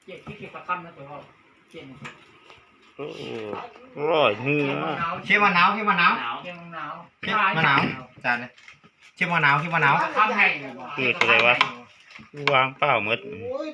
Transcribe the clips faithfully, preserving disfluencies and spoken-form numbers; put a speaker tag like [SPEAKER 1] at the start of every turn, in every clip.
[SPEAKER 1] เจ็บที่เกี่ยวกับคำนะตัวเราเจ็บ
[SPEAKER 2] โอ้ร่อยเนื้อ
[SPEAKER 3] เชี่ยมะนาวเชี่ยมะนาว
[SPEAKER 1] เจ็บหนาว
[SPEAKER 3] เชี่ยมะนาวจานเลยเชี่ยมะนาวเชี่ยมะนาว
[SPEAKER 1] คำให้
[SPEAKER 2] คืออะไรวะวางเปล่าหมด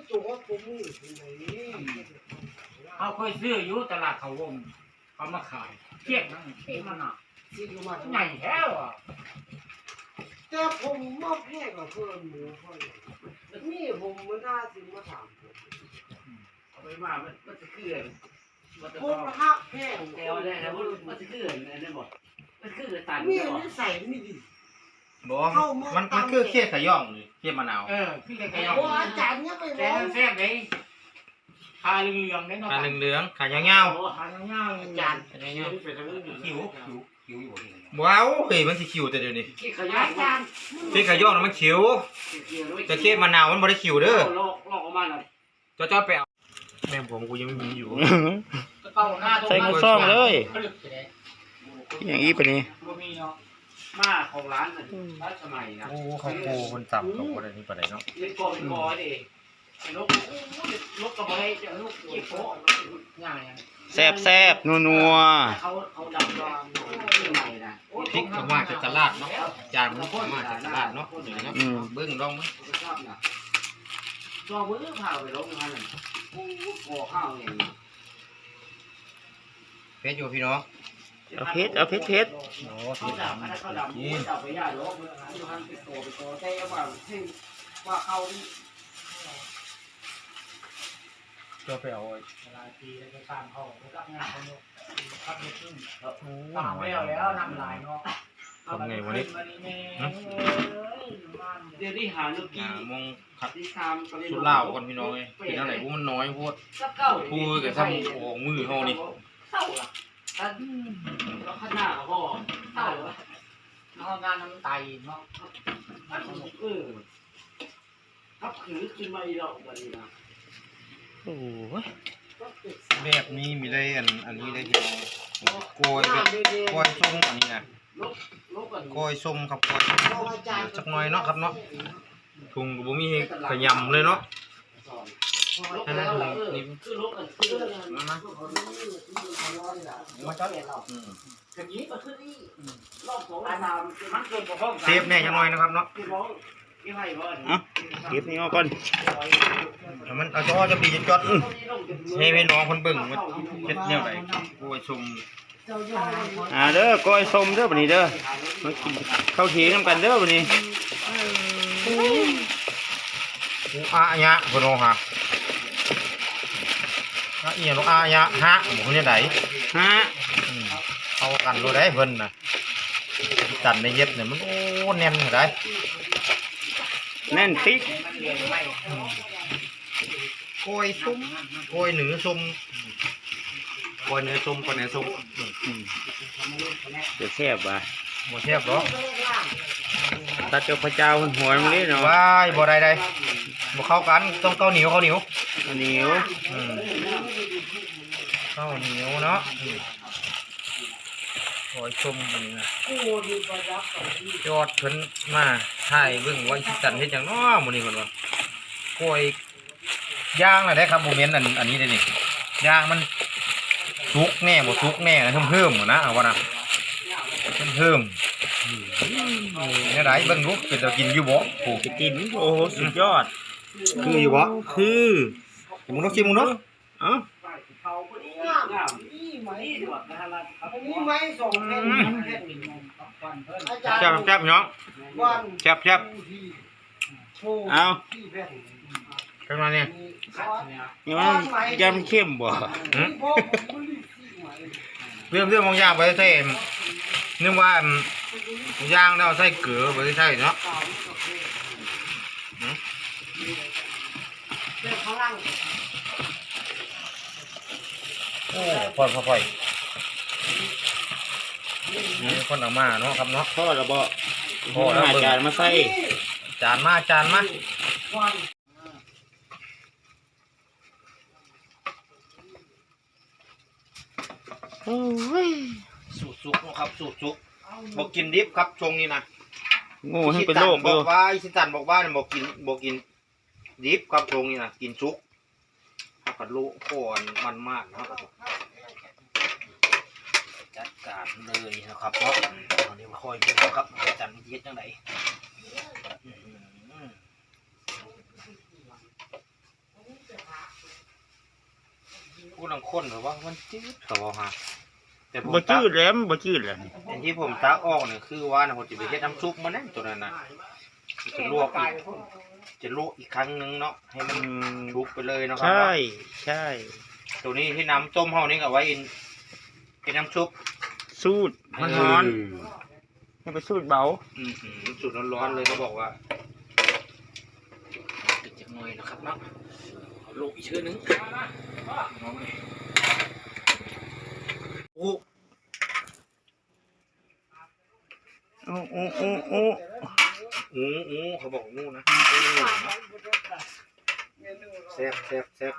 [SPEAKER 1] เขาเคยซื้ออยู่ตลาดเขาวงเขามาขายเทียบนั่นเทียบมันอ่ะใหญ่แท้ว่ะ
[SPEAKER 4] แต่ผมมอบให้กับเพื่อนหมูเพื่อนนี่ผมมันน่าสิมาถามผม
[SPEAKER 5] เอาไปมามันมันจะเกลื่อนมันจะ
[SPEAKER 4] ผมหักแห้ง
[SPEAKER 5] แกวได้นะมันมันจะเกลื่อนนั่นหมดมันเกลื่อนตัน
[SPEAKER 4] มี
[SPEAKER 5] ใช่หรอ
[SPEAKER 4] นิสัยไม่ดี
[SPEAKER 3] บอกมันมันคือเชี่ยขย่องเชี่ยมะนาว
[SPEAKER 1] เออพี่จะกระยอง
[SPEAKER 4] โอ้อาจารย์เนี่ยไป
[SPEAKER 1] แต่
[SPEAKER 4] บอก
[SPEAKER 1] มันแซ่บเลยทาเหลืองๆได้เนาะ
[SPEAKER 3] ขาเหลืองๆขายาว
[SPEAKER 1] ทาเงาๆอาจารย์
[SPEAKER 3] ๆขายาว
[SPEAKER 5] เป็นเรื่อง
[SPEAKER 3] ๆคิวคิวคิวอยู่ว้าวเฮ้ยมันสิคิวแต่เดี๋ยวนี้
[SPEAKER 5] ขี้ขยะ
[SPEAKER 1] อาจารย์
[SPEAKER 3] เชี่ยขย่องน่ะมันคิวแต่เชี่ยมะนาวมันบ่ได้คิวเด้อ
[SPEAKER 5] ลอกลอกออกมาหน่อย
[SPEAKER 3] จ้อๆไปเอาแม่ผมกูยังไม่มีอยู่
[SPEAKER 1] เป่าหน้า
[SPEAKER 2] ใส่กระซ่องเลย
[SPEAKER 1] ผลึกไปเลย
[SPEAKER 2] อย่างนี้ไปนี่
[SPEAKER 1] บ่มีเนาะ
[SPEAKER 5] มาของร้านน่ะร้านสมัยนะ
[SPEAKER 3] โอ้เขาโกคนจับเขาคนนี้ปานใดเนาะ
[SPEAKER 5] เล่นกอเป็นกอเองนกนกกระบอกจะนกขี้โป๊ะ
[SPEAKER 1] ง่าย
[SPEAKER 2] แซ่บแซ่บนัวนัว
[SPEAKER 5] เขาเขาดำดำใหม่นะ
[SPEAKER 3] พริกมาจากตลาดเนาะจานมันมาจากตลาดเนาะเดี๋ยวนะเบิ่งลองมั้ย
[SPEAKER 5] ชอบนะจอมือพาไปลงมาหนึ่งโอ้ข้าวอย่างนี้
[SPEAKER 3] เพชรอยู่พี่น้อง
[SPEAKER 2] เอาเพชรเอาเพชรเพชร
[SPEAKER 3] โอ้
[SPEAKER 5] เขาดำเขาดำเขาดำไปย่าโลกอยู่หันไปโตไปโตแต่ว่าที่ว่าเขา
[SPEAKER 3] ก็ไปเอา
[SPEAKER 1] เวลาทีแล้วก็ตามเขารับงานเขาเนี่ยครับนิดนึงตามแล้วแล้วนำลายเนาะ
[SPEAKER 3] ทำไงวันนี้
[SPEAKER 5] เดี๋ยวนี้หาลูกกี้
[SPEAKER 3] หามงขัด
[SPEAKER 5] ที่ทำ
[SPEAKER 3] สุดเหล้าก่อนพี่น้องเอ้ยกินอะไรพวกมันน้อยโพดพูดกับซ้ำโอ่งมือเฮานี่
[SPEAKER 5] เท่าละแต่แล้วข้างหน้าเขาบอกเท่าละ
[SPEAKER 1] น้องงานน้ำไตเนาะ
[SPEAKER 5] มันเออทับขือขึ้นมาอีกแล้ววันนี้นะ
[SPEAKER 2] โอ้ย
[SPEAKER 3] แบบนี้มีได้อันอันนี้ได้พี่น้องกล้วยแบบกล้วยส้มอันนี้นะ
[SPEAKER 5] ลบลบกัน
[SPEAKER 3] กล้วยส้มครับกล้วยสักหน่อยเนาะครับเนาะถุงก็บ่มีให้ขยำเลยเนาะ
[SPEAKER 5] ลบแล้วเออคือลบกันคือ
[SPEAKER 3] มามา
[SPEAKER 4] มาจัด
[SPEAKER 3] อืม
[SPEAKER 5] อย่างนี้ก็คือนี่รอบสองสาม
[SPEAKER 1] มันเกินกว่าห้อง
[SPEAKER 3] เซฟแน่จังหน่อยนะครับเนาะ
[SPEAKER 5] พี่น้องพี่ให้บ่
[SPEAKER 2] เอาเก็บนี่เอาก่อน
[SPEAKER 3] เดี๋ยวมันเอาจ้อจะปีจะจอดอื้อให้พี่น้องคนเบิ่งว่าเฮ็ดแนวใดกล้วยส้ม
[SPEAKER 2] อ่าเด้อก้อยส้มเด้อบัดนี้เด้อมากินข้าวเทียงกันเด้อบัดนี้
[SPEAKER 3] อูอาญะพุ่นโอฮะอะอีหยังอาญะฮะหมูเนี่ยได
[SPEAKER 2] ฮะ
[SPEAKER 3] อืมเอากันรู้ได้เพิ่นน่ะจันในเย็บเนี่ยมันโอ้แน่นได้
[SPEAKER 2] แน่นติ๊ก
[SPEAKER 3] กล้วยส้มกล้วยหนือส้มกล้วยเนื้อส้มกล้วยเนื้อส้ม
[SPEAKER 2] อืมเดี๋ยวแซ่บว่ะ
[SPEAKER 3] บ่แซ่บดอก
[SPEAKER 2] ตัดเจ้าพระเจ้าหัวมันนี่เนาะ
[SPEAKER 3] ว้ายบ่ได้ได้บ่เข้ากันต้องข้าวเหนียวข้าวเหนียว
[SPEAKER 2] อันนี้ว
[SPEAKER 3] อืมข้าวเหนียวเนาะอืมกล้วยส้มอันนี้นะยอดเพิ่นมาถ่ายเบิ่งว่าสิจันเฮ็ดหยังเนาะมื้อนี้เพิ่นว่ากล้วยย่างน่ะได้ครับบ่แม่นอันอันนี้เด้นี่ย่างมันสุกแน่บ่สุกแน่นะเพิ่มๆนะเอาว่านะเพิ่มๆเนี่ยได้เบิ่งดูเป็นตากินอยู่บ่โอ้
[SPEAKER 2] จะกินโอ้โหสุดยอด
[SPEAKER 3] คืออยู่บ่
[SPEAKER 2] คือ
[SPEAKER 3] ชิมมึงเนาะชิมมึงเนาะ
[SPEAKER 2] เอ้า
[SPEAKER 5] เขาคนนี้งาม
[SPEAKER 4] นี่ไหม
[SPEAKER 5] นี่ดีกว่านะฮะครับ
[SPEAKER 4] นี่ไหมสองแผ่นแผ่นอาจารย์
[SPEAKER 3] แซ่บแซ่บพี่น้อง
[SPEAKER 4] วัน
[SPEAKER 3] แซ่บแซ่บ
[SPEAKER 2] เอา
[SPEAKER 4] ที่แผ่น
[SPEAKER 3] กันมาเนี่ย
[SPEAKER 2] นี่มันยำเข้มบ่
[SPEAKER 3] หืมเรื่องเรื่องบางอย่างไปใส่นึกว่าย่างแล้วใส่เกลือไปใส่เนาะ
[SPEAKER 4] เป็นพลัง
[SPEAKER 3] โอ้พ่อยพ่อยพ่อยนี่คนออกมาเนาะครับเนาะ
[SPEAKER 2] ทอดระเบาะพอแล้วจานมาใส่
[SPEAKER 3] จานมาจานมา
[SPEAKER 4] วัน
[SPEAKER 2] โอ้ย
[SPEAKER 3] สูตรสุกนะครับสูตรสุกบอกกินดิบครับชงนี่นะ
[SPEAKER 2] โง่ให้เป็นโรค
[SPEAKER 3] บ
[SPEAKER 2] ดู
[SPEAKER 3] อกว่าอิชิตันบอกว่าบอกกินบอกกินดิบครับชงนี่นะกินสุกกระโลก่อนมันมากนะครับจัดการเลยนะครับเพราะตอนนี้มาคอยดูครับจันเย็ดยังไงผู้นำคนหรือว่ามันจืดเขาบอกฮะแต่ผม
[SPEAKER 2] บ่จืดแล้วมันบ่จืดแล้ว
[SPEAKER 3] อันที่ผมตักออกเนี่ยคือว่านะผมจะไปเฮ็ดน้ำซุปมาแน่ตัวนั้นนะจะลวกอีกจะลวกอีกครั้งนึงเนาะให้มันชุบไปเลยเนาะครับ
[SPEAKER 2] ใช่ใช่
[SPEAKER 3] ตัวนี้ที่น้ำต้มเฮานี่ก็ไว้เป็นน้ำซุป
[SPEAKER 2] สูตรมันร้อนให้ไปสูตรเบา
[SPEAKER 3] อืมสูตรร้อนๆเลยเขาบอกว่าติดจากหน่อยนะครับเนาะลูกอีกชื่อนึงโอ้
[SPEAKER 2] โอ้โอ้โอ้โอ้
[SPEAKER 3] โอ้โอ้เขาบอกงูนะแซ่บแซ่บแซ่บ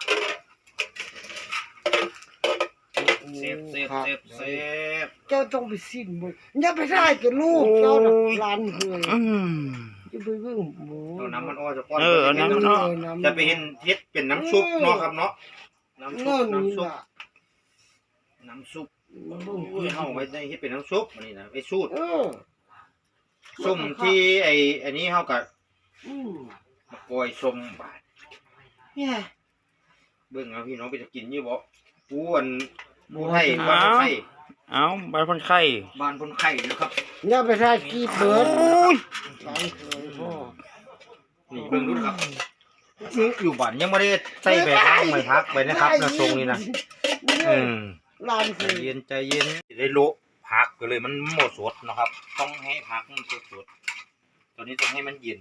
[SPEAKER 3] เซฟเซฟเซฟเซฟ
[SPEAKER 4] เจ้าต้องไปสิ้นมึงอย่าไปได้กับลูกเจ้าน่ะร้านเคย
[SPEAKER 2] อืม
[SPEAKER 4] จะไปเบิ่งหมู
[SPEAKER 3] เอาน้ำมันอ้อจะก้อน
[SPEAKER 2] เออเอาน้ำมันอ้อ
[SPEAKER 3] จะไปเห็นเฮ็ดเป็นน้ำซุปเนาะครับเนาะน้ำซุ
[SPEAKER 4] เงื่อ
[SPEAKER 3] ป
[SPEAKER 4] นนี่
[SPEAKER 3] น้ำซุป
[SPEAKER 4] ล่ะ
[SPEAKER 3] น้ำซุป
[SPEAKER 4] มันเบิ่ง
[SPEAKER 3] อุ้ยเฮาไว้ในเฮ็ดเป็นน้ำซุปอันนี้นะไอ้สูตร
[SPEAKER 4] เออ
[SPEAKER 3] ส้มที่ไอ้อันนี้เฮาก็
[SPEAKER 4] อืม
[SPEAKER 3] มาปล่อยส้มบาด
[SPEAKER 4] เนี่ย
[SPEAKER 3] เบิ่งเอาพี่น้องไปจะกินอยู่บ่ปูอันปูไทยบ้านคนไข้
[SPEAKER 2] เอาใบคนไข้
[SPEAKER 3] บ้านคนไข้นะครับ
[SPEAKER 4] อย่าไปได้กีบเบิด
[SPEAKER 2] โอ้ย
[SPEAKER 4] ร้านเคยพ่อ
[SPEAKER 3] นี่เบิ่งดูครับนี่อยู่บ้านยังบ่ได้ใส่ใบพักใบพักไปนะครับนะทรงนี้นะอืม
[SPEAKER 4] ร้านเค
[SPEAKER 3] ใจ
[SPEAKER 4] ย
[SPEAKER 3] เย็นใจเย็นได้โละผักก็เลยมันหมดสดนะครับ ต้องให้ผักมันสดสดตอนนี้ต้องให้มันเย็น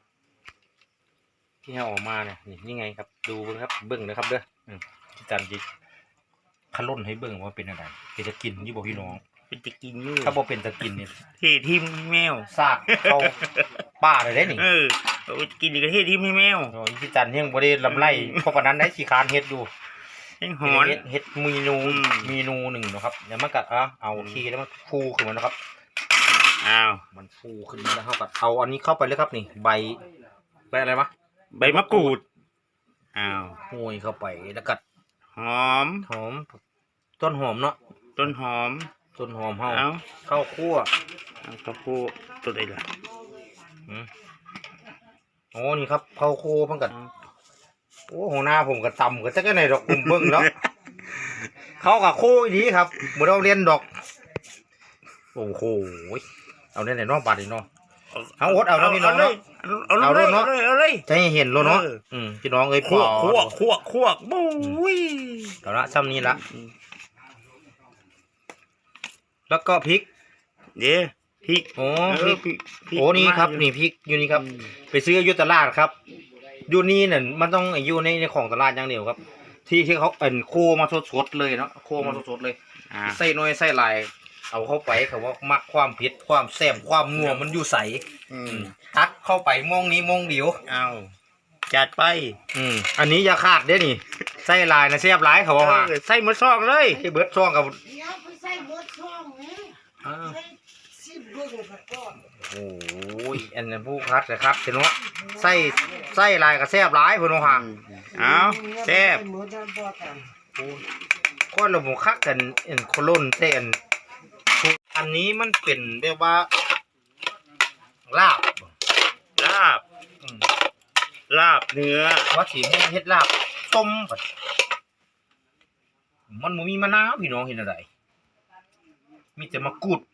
[SPEAKER 3] ที่เอาออกมาเนี่ยนี่นี่ไงครับ ดูเบิ่งครับเบิ่งนะครับเด้ออืมที่จันจิขลุ่นให้เบิ่งว่าเป็นอะไรเป็นจะกินยี่บ่พี่น้อง
[SPEAKER 2] เป็นจะกินอยู่
[SPEAKER 3] ถ้าบ่เป็นจะกินนี่
[SPEAKER 2] เททิมแมว
[SPEAKER 3] ซากเข้าป่าเลยได้นี่
[SPEAKER 2] เออเอาไปกินอีกก็เททิมให้แมว
[SPEAKER 3] โอ้ยที่จันยังบ่ได้ลำไรเพราะปานนั้นได้ขี้คร้านเฮ็ดอยู่
[SPEAKER 2] ให้หอน
[SPEAKER 3] เฮ็ดเฮ็ดเมนู
[SPEAKER 2] อืม
[SPEAKER 3] เมนูหนึ่งเนาะครับเดี๋ยวมันกัดอ่ะเอาทีแล้วมันฟูขึ้นมานะครับ
[SPEAKER 2] อ้าว
[SPEAKER 3] มันฟูขึ้นมาแล้วเขากัดเอาอันนี้เข้าไปเลยครับนี่ใบใบอะไรวะ
[SPEAKER 2] ใบมะกรูดอ้าว
[SPEAKER 3] โห้ยเข้าไปแล้วกัด
[SPEAKER 2] หอม
[SPEAKER 3] หอมต้นหอมเนาะ
[SPEAKER 2] ต้นหอม
[SPEAKER 3] ต้นหอมเฮา
[SPEAKER 2] เอา
[SPEAKER 3] ข้าวคั่ว
[SPEAKER 2] เอากระพูตัวใดล่ะ
[SPEAKER 3] อืมโอ้นี่ครับข้าวคั่วเพิ่งกัดโอ้หัวหน้าผมก็ต่ำก็จะแค่ไหนดอกกลุ่มเบิ้งแล้ว เขากับคู่อีนี้ครับเหมือนเราเรียนดอกโอ้โหเอาเนี่ยไหนน้องบาดอีกน้องเอาอดเอาแล้วพี่น้องเนาะ
[SPEAKER 2] เอาเลย
[SPEAKER 3] เอา
[SPEAKER 2] เอา
[SPEAKER 3] เล
[SPEAKER 2] เลย ย
[SPEAKER 3] เนาะ
[SPEAKER 2] เอาเลยเอาเลย
[SPEAKER 3] จะให้เห็นแล้วเนาะ
[SPEAKER 2] เออ
[SPEAKER 3] อืมพี่น้องเอ้ย
[SPEAKER 2] คั่ว
[SPEAKER 3] ปอ
[SPEAKER 2] คั่วคั่วคั่วบุ้ย
[SPEAKER 3] เอาละซ้ำนี้ละแล้วก็พริก
[SPEAKER 2] เดี๋ยวพริก
[SPEAKER 3] โอ้
[SPEAKER 2] เอ
[SPEAKER 3] พริ
[SPEAKER 2] อก พริกพริก
[SPEAKER 3] โอ้นี่ครับ
[SPEAKER 2] มาอยู่
[SPEAKER 3] นี่พริกอยู่นี่ครับ ไปซื้ออยู่ตลาดครับอยู่นี่เนี่ยมันต้องอยู่ในในของตลาดอย่างเดียวครับ ที่ที่เขาเอ็นโคมาสดๆเลยเนาะโคมาสดๆเลย
[SPEAKER 2] อ่า
[SPEAKER 3] ใส่น้อยใส่หลายเอาเข้าไปเขาว่ามักความเผ็ดความแซ่บความนัวมันอยู่ใส
[SPEAKER 2] อืม
[SPEAKER 3] ทักเข้าไปมองนี้มองเดียว
[SPEAKER 2] เอาจัดไป
[SPEAKER 3] อืมอันนี้อย่าขาดเด้นี่ใส่หลายนะแซ่บหลายเขาว่ามา
[SPEAKER 2] เออใส่หมดซองเลย
[SPEAKER 3] ที่เบิร์ดช่องกับ
[SPEAKER 4] อย่าไปใส่หมดช่องนี่ใส่สิบเบิ่งซะก่อน
[SPEAKER 3] โอ้ยอันนั้นผู้คัดนะครับเห็นว่าใส่ใส่หลายกับแซ่บหลายพุ่นว่า
[SPEAKER 2] เอาแซ่บ
[SPEAKER 4] หมดแล้วบ่กัน
[SPEAKER 3] ก็เราบอกคักกันเอ็นโคล่นเต้นอันนี้มันเป็นแบบว่าลาบ
[SPEAKER 2] ลาบ
[SPEAKER 3] อืม
[SPEAKER 2] ลาบเนื้อ
[SPEAKER 3] ว่าสีให้เฮ็ดลาบต้มบัดมันบ่มีมะนาวพี่น้องเห็นอะไรมีแต่มะกรูด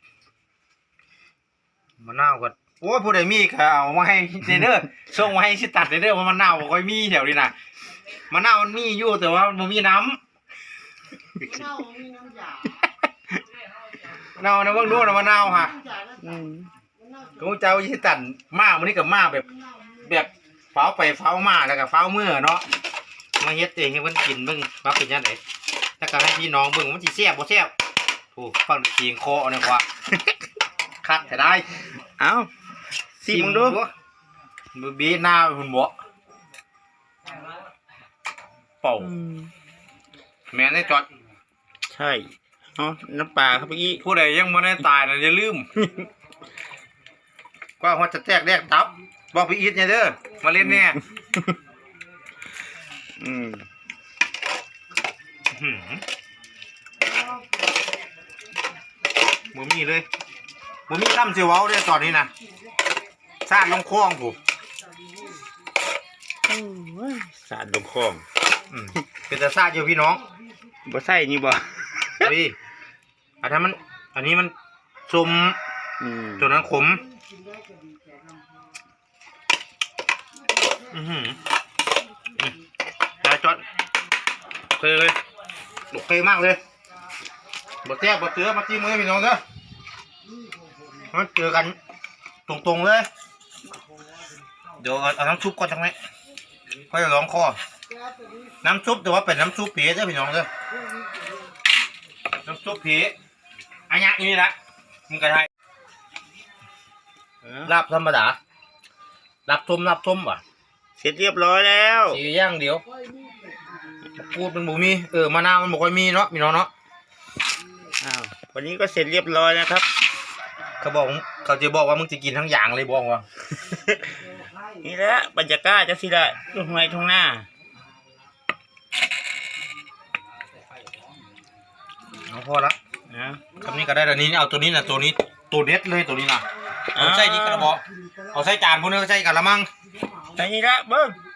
[SPEAKER 3] มะนาวก็โอ้ยผู้ใดมีก็เอามาให้เด้อส่งมาให้สิตัดเด้อว่ามะนาวบ่ค่อยมีแถวนี้นะมะนาวมันมีอยู่แต่ว่ามันบ่มีน้ำ
[SPEAKER 4] เน่ามีน้ำยา
[SPEAKER 3] มะนาวนะเบิ่งดูนะมะนาวฮะ
[SPEAKER 4] น้ำยาแล้ว
[SPEAKER 2] อืม
[SPEAKER 3] กูเจ้าสิตัดมามื้อนี้ก็มาแบบแบบเฝ้าไปเฝ้ามาแล้วก็เฝ้ามื้อเนาะมาเฮ็ดเองให้เพิ่นกินเบิ่งว่าเป็นจังไดแล้วก็ให้พี่น้องเบิ่งว่ามันสิแซ่บบ่แซ่บโอ้ฟังเสียงคอเนี่ยกว่า คักแต่ได้
[SPEAKER 2] เอาสิมึงดู
[SPEAKER 3] มือบีหน้าหุ่นบ่เป่า
[SPEAKER 2] อืม
[SPEAKER 3] แม่นได้จอด
[SPEAKER 2] ใช่เอาน้ำปลาครับเมื่อกี้
[SPEAKER 3] ผู้ใดยังบ่ได้ตายน่ะอย่าลืม กว่าฮอดจะแตกแดกตับบอกพี่อีทเนี่ยเด้อมาเล่นแน่
[SPEAKER 2] อืม
[SPEAKER 3] หืมบ่มีเลยบ่มีคำสิเว้าเลยตอนนี้นะซาดลงคลองผม
[SPEAKER 2] สาดลงคลอง
[SPEAKER 3] อืมเป็นแต่ซาดอยู่พี่น้อง
[SPEAKER 2] บ่ใส่นี่บ่
[SPEAKER 3] เฮ้ยอันนั้นมัน อันนี้มันสม
[SPEAKER 2] อืม
[SPEAKER 3] ตัวนั้นขมอือหืออืมได้จอดโอเคเลยโอเคมากเลยบดแทบบดเตือมาจิ้มเลยพี่น้องเด้อมาเจอกันตรงๆเลย เดี๋ยวเอาเอาน้ำซุปก่อนจังไหมค่อยจะร้องคอน้ำซุปแต่ว่าเป็นน้ำซุปผีเด้อพี่น้องเด้อน้ำซุปผีอันนี้นี่ละมึงกระไทยลาบธรรมดาลาบส้มลาบส้มว่ะ
[SPEAKER 2] เสร็จเรียบร้อยแล้ว
[SPEAKER 3] สีย่างเดียวพูดมันบ่มีเออมะนาวมันบ่ค่อยมีเนาะพี่น้องเนาะ
[SPEAKER 2] อ้าววันนี้ก็เสร็จเรียบร้อยแล้วครับ
[SPEAKER 3] เขาบอกเขาจะบอกว่ามึงจะกินทั้งอย่างเลยบอกว่า
[SPEAKER 2] นี่แหละบรรยากาศจังซี่ละทุ่งไร่ทุ่งนา
[SPEAKER 3] เอาพอละ
[SPEAKER 2] นะ
[SPEAKER 3] คำนี้ก็ได้แต่นี้เอาตัวนี้นะตัวนี้ตัวเด็ดเลยตัวนี้นะเอาใส่นี่กระบอกเอาใส่จานพวกนี้ก็ใส่กะละมัง
[SPEAKER 2] แต่นี่ละเบิ่ง